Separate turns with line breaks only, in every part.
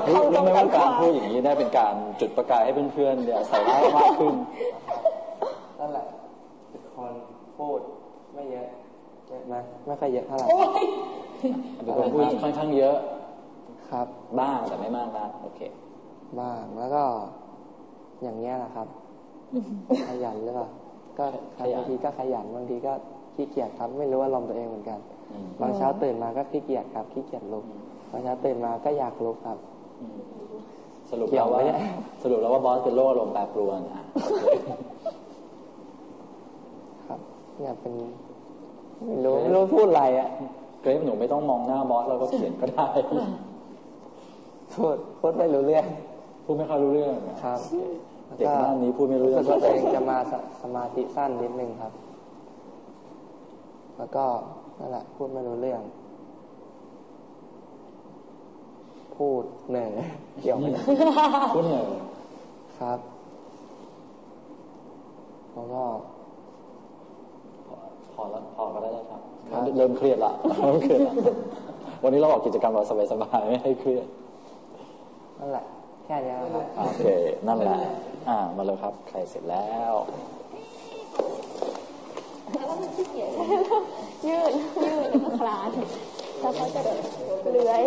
รู้ไหมว่าการพูดอย่างนี้ได้เป็นการจุดประกายให้เพื่อนๆเนี่ยใส่ร้ายมากขึ้น
นั่นแหละเป็นคนพูดไม่เยอะเยอะไหมไม่ค่อยเยอะเท่าไหร่
เป็นคนพูดค่อนข้างเยอะ
ครับ
บ้างแต่ไม่มากนักโอเค
บ้างแล้วก็อย่างเงี้ยแหละครับขยันหรือเปล่าก็บางทีก็ขยันบางทีก็ขี้เกียจครับไม่รู้ว่าลมตัวเองเหมือนกันบางเช้าตื่นมาก็ขี้เกียจครับขี้เกียจลุกบางเช้าตื่นมาก็อยากลุกครับ
สรุปแล้วว่าบอสเป็นโรคอารมณ์แปรปรวน
ครับเนี่ยเป็นไม่รู้พูดอะไรอ่ะ
เกรฟหนูไม่ต้องมองหน้าบอสเราก็เขียนก็ได้
พูดไม่รู้เรื่อง
พูดไม่ค่อยรู้เรื่อง
ครับ
เด็กบ้านนี้พูดไม่รู้เรื่อง
ตัวเองจะมาสมาธิสั้นนิดนึงครับแล้วก็นั่นแหละพูดไม่รู้เรื่องพูดเหนื่อยเกี่ยวไม่ได้
พูดเหนื่อย
ครับแล้วก็
พอก็ได้ครับเริ่มเครียดละวันนี้เราออกกิจกรรมเราสบายๆไม่ให้เครียด
นั่นแหละแค่นี้ครับ
โอเคนั่นแหละมาเลยครับใครเสร็จแล้ว
แล้วมันขี้เกียจยืดแล้วก็คลานแล้วเขาจะเลื้อย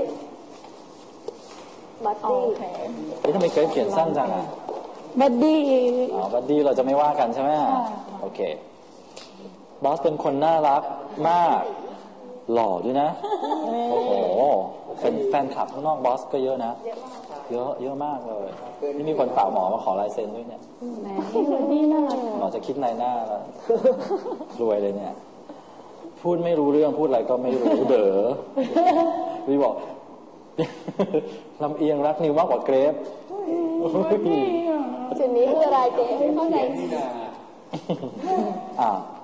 บัดดี้
ทำไมเคยเขียนสั้นจังอ่ะ
บัดดี้
บัดดี้เราจะไม่ว่ากันใช่ไหมโอเคบอสเป็นคนน่ารักมากหล่อด้วยนะโอ้โหเป็นแฟนคลับข้างนอกบอสก็เยอะนะเยอะมากเลยนี่มีคนฝากหมอมาขอลายเซ็นด้วยเนี่ยหมอจะคิดในหน้าแล้วรวยเลยเนี่ยพูดไม่รู้เรื่องพูดอะไรก็ไม่รู้เด๋อวิบอกลำเอียงรักนิวมากกว่าเกรฟ
จุดนี้คืออะไรเกรฟไม่เข้าใจ